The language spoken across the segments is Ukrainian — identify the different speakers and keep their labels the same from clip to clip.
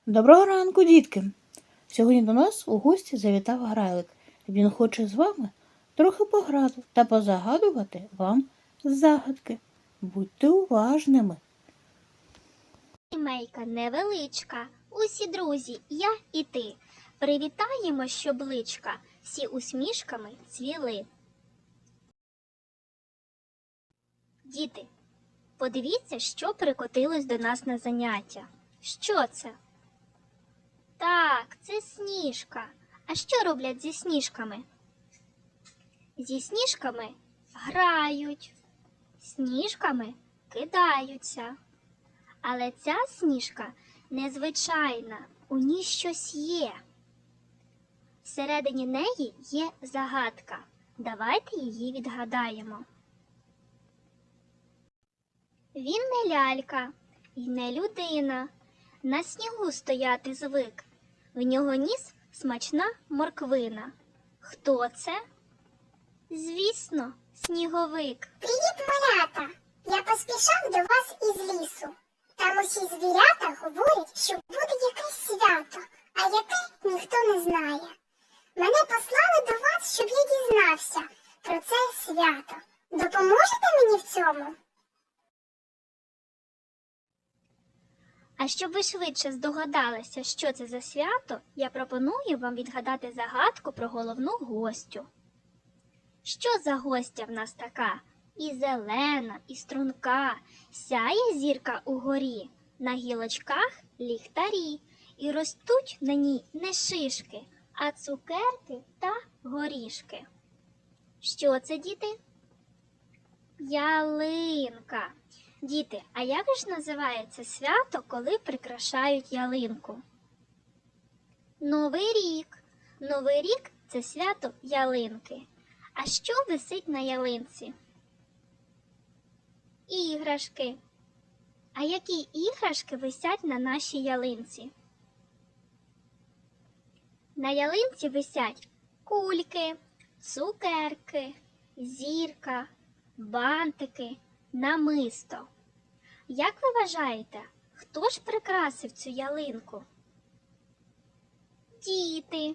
Speaker 1: Доброго ранку, дітки! Сьогодні до нас у гості завітав Грайлик. Він хоче з вами трохи пограти та позагадувати вам загадки. Будьте уважними.
Speaker 2: Сімейка невеличка, усі друзі, я і ти. Привітаємо, щоб личка всі усмішками цвіли. Діти, подивіться, що прикотилось до нас на заняття. Що це? Так, це сніжка. А що роблять зі сніжками? Зі сніжками грають, сніжками кидаються. Але ця сніжка незвичайна, у ній щось є. Всередині неї є загадка. Давайте її відгадаємо. Він не лялька і не людина. На снігу стояти звик. В нього ніс смачна морквина. Хто це? Звісно, сніговик.
Speaker 3: Привіт, малята! Я поспішав до вас із лісу. Там усі звірята говорять, що буде якесь свято, а яке ніхто не знає. Мене послали до вас, щоб я дізнався про це свято. Допоможете мені в цьому?
Speaker 2: А щоб ви швидше здогадалися, що це за свято, я пропоную вам відгадати загадку про головну гостю. Що за гостя в нас така? І зелена, і струнка, сяє зірка угорі, на гілочках ліхтарі, і ростуть на ній не шишки, а цукерки та горішки. Що це, діти? Ялинка. Діти, а як ж називається свято, коли прикрашають ялинку? Новий рік. Новий рік – це свято ялинки. А що висить на ялинці? Іграшки. А які іграшки висять на нашій ялинці? На ялинці висять кульки, цукерки, зірка, бантики, намисто. Як ви вважаєте, хто ж прикрасив цю ялинку? Діти.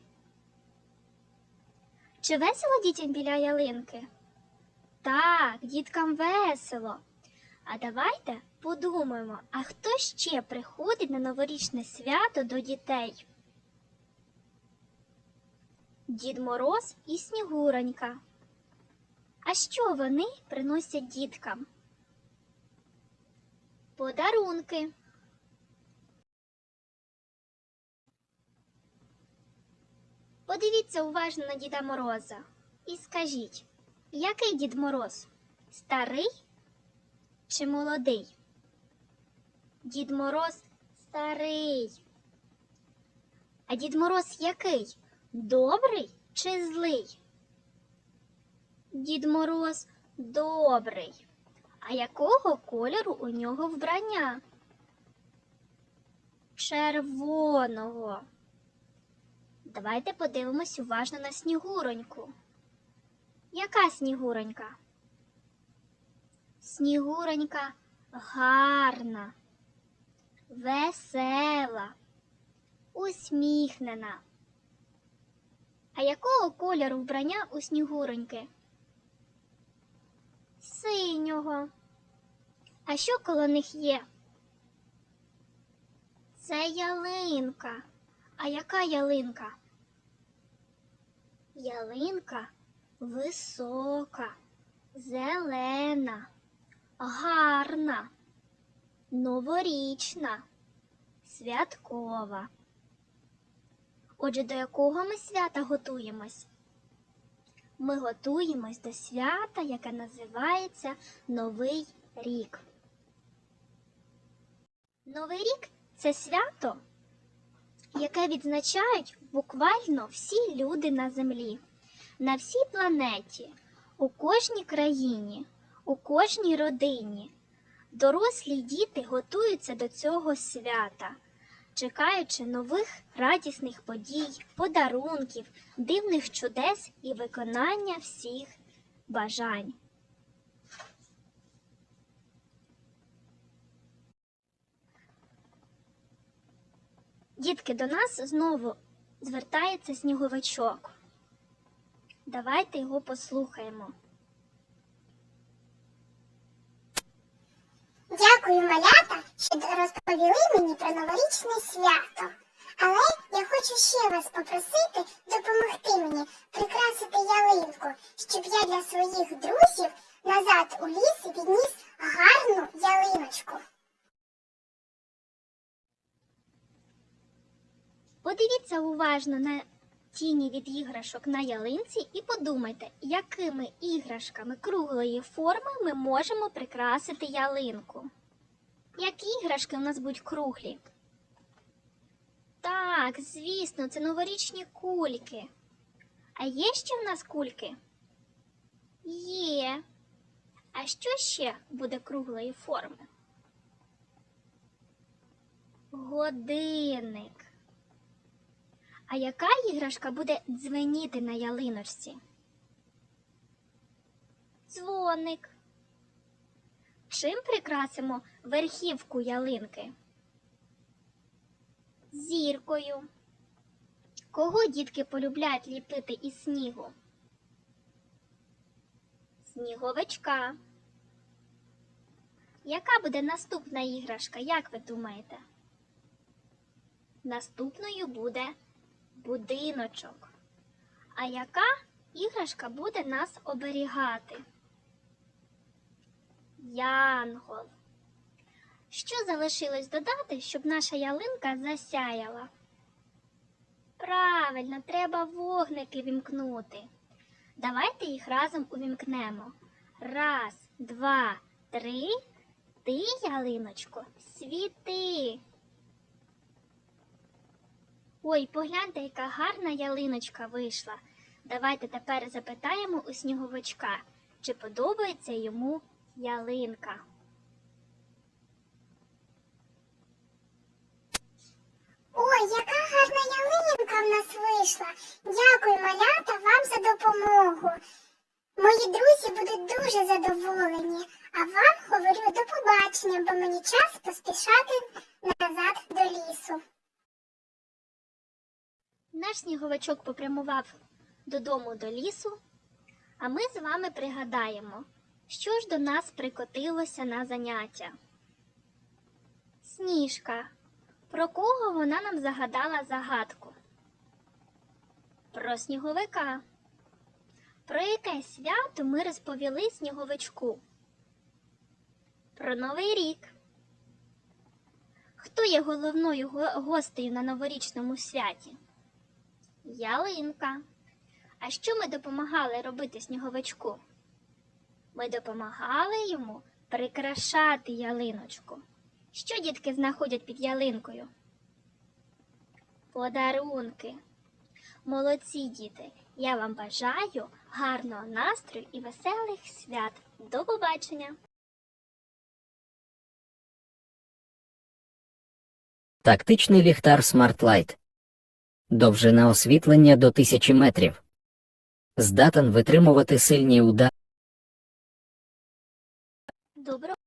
Speaker 2: Чи весело дітям біля ялинки? Так, діткам весело. А давайте подумаємо, а хто ще приходить на новорічне свято до дітей? Дід Мороз і Снігуронька. А що вони приносять діткам? Подарунки. Подивіться уважно на Діда Мороза і скажіть, який Дід Мороз? Старий чи молодий? Дід Мороз старий. А Дід Мороз який? Добрий чи злий? Дід Мороз добрий. А якого кольору у нього вбрання? Червоного. Давайте подивимось уважно на Снігуроньку. Яка Снігуронька? Снігуронька гарна, весела, усміхнена. А якого кольору вбрання у Снігуроньки? Синього. А що коло них є? Це ялинка. А яка ялинка? Ялинка висока, зелена, гарна, новорічна, святкова. Отже, до якого ми свята готуємось? Ми готуємось до свята, яке називається Новий рік. Новий рік – це свято, яке відзначають буквально всі люди на землі, на всій планеті, у кожній країні, у кожній родині. Дорослі й діти готуються до цього свята, чекаючи нових радісних подій, подарунків, дивних чудес і виконання всіх бажань. Дітки, до нас знову звертається сніговичок. Давайте його послухаємо.
Speaker 3: Дякую, малята, що розповіли мені про новорічне свято. Але я хочу ще вас попросити допомогти мені прикрасити ялинку, щоб я для своїх друзів назад у ліс відніс гарну ялиночку.
Speaker 2: Подивіться уважно на тіні від іграшок на ялинці і подумайте, якими іграшками круглої форми ми можемо прикрасити ялинку. Які іграшки у нас будуть круглі? Так, звісно, це новорічні кульки. А є ще в нас кульки? Є. А що ще буде круглої форми? Годинник. А яка іграшка буде дзвеніти на ялиночці? Дзвоник. Чим прикрасимо верхівку ялинки? Зіркою. Кого дітки полюбляють ліпити із снігу? Сніговичка. Яка буде наступна іграшка, як ви думаєте? Наступною буде будиночок. А яка іграшка буде нас оберігати? Янгол. Що залишилось додати, щоб наша ялинка засяяла? Правильно, треба вогники вімкнути. Давайте їх разом увімкнемо. 1, 2, 3. Ти, ялиночко, світи. Ой, погляньте, яка гарна ялиночка вийшла. Давайте тепер запитаємо у сніговичка, чи подобається йому ялинка.
Speaker 3: Ой, яка гарна ялинка в нас вийшла. Дякую, малята, вам за допомогу. Мої друзі будуть дуже задоволені. А вам говорю до побачення, бо мені час поспішати назад до лісу.
Speaker 2: Наш сніговичок попрямував додому до лісу, а ми з вами пригадаємо, що ж до нас прикотилося на заняття. Сніжка. Про кого вона нам загадала загадку? Про сніговика. Про яке свято ми розповіли сніговичку? Про Новий рік. Хто є головною гостею на новорічному святі? Ялинка. А що ми допомагали робити сніговичку? Ми допомагали йому прикрашати ялиночку. Що дітки знаходять під ялинкою? Подарунки. Молодці, діти! Я вам бажаю гарного настрою і веселих свят. До побачення!
Speaker 4: Тактичний ліхтар Smart Light. Довжина освітлення до 1000 метрів. Здатен витримувати сильні удари.
Speaker 2: Доброго